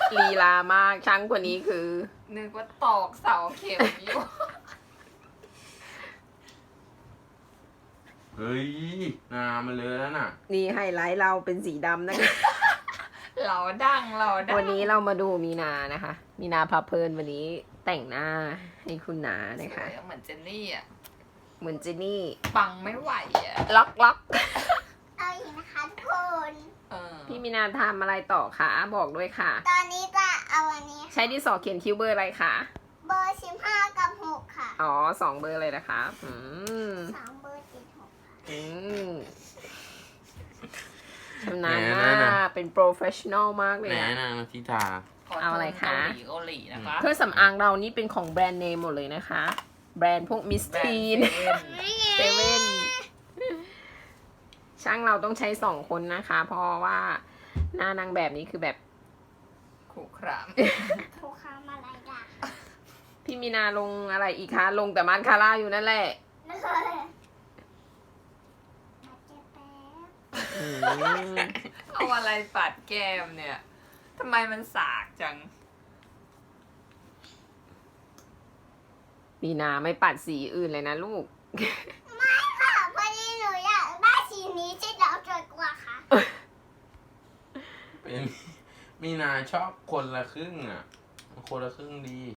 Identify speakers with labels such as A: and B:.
A: ลีลามากช่างกว่านี้คือ
B: นึกว่าตอกเสาเข็มอยู่
C: เฮ้ยนามันเลยแล้วน่ะ
A: นี่ไฮไลท์เราเป็นสีดำนะคะ
B: เราดังเราดัง
A: วันนี้เรามาดูมีนานะคะ มีนาพาเพลินวันนี้แต่งหน้าให้คุณนานะคะ
B: สวยเหมือนเจนนี่อ่ะ
A: เหมือนเจนนี่
B: ปังไม่ไหวอ่ะ
A: ล็อกล็อก
D: เอาอีกนะคะทุกคน
B: เออ
A: พี่มีนาทำอะไรต่อคะบอกด้วยค่ะ
D: ตอนนี้จะเอาอันนี้
A: ใช้ดินสอเขียนคิ้วเบอร์อะไรคะ
D: เบอร์15กับ6ค่ะ
A: อ๋อ2 เบอร์เลยนะคะ
D: 3เบอร์ติด6ค่ะ
A: อืมชำนาญ
C: แหม
A: มา
C: นั่น
A: ก
C: น่ะ
A: เป็นโปรเฟชชั่นอลมากเลย
C: แหน
A: อะ
C: นางทิตา
A: เอาอะไรคะ
B: เกาหลีนะคะ
A: เครื่องสำอางเรานี่เป็นของแบรนด์เนมหมดเลยนะคะ แบรนด์พวกมิส
B: แบรน
A: ทีน
B: ด์เซเว่น
A: เซเว่นช่างเราต้องใช้2 คนนะคะ เพราะว่าหน้านางแบบนี้คือแบบ
B: ขู่คราม
D: ถูกค้ามาอะไรด่ะ
A: พี่มีนาลงอะไรอีกคะ ลงแต่มันคาร่าอยู่นั่นแหละ
D: มาเจ็บแป๊บ
A: อืม
B: เอาอะไรปัดแก้มเนี่ยทำไมมันสากจัง
A: มีนาไม่ปัดสีอื่นเลยนะลูก
D: ไม่ค่ะพอดีหนูอยากได้สีนี้ที่เราสวยกว่าค่ะ
C: เป็นมีนาชอบคนละครึ่งอ่ะ คนละครึ่งดี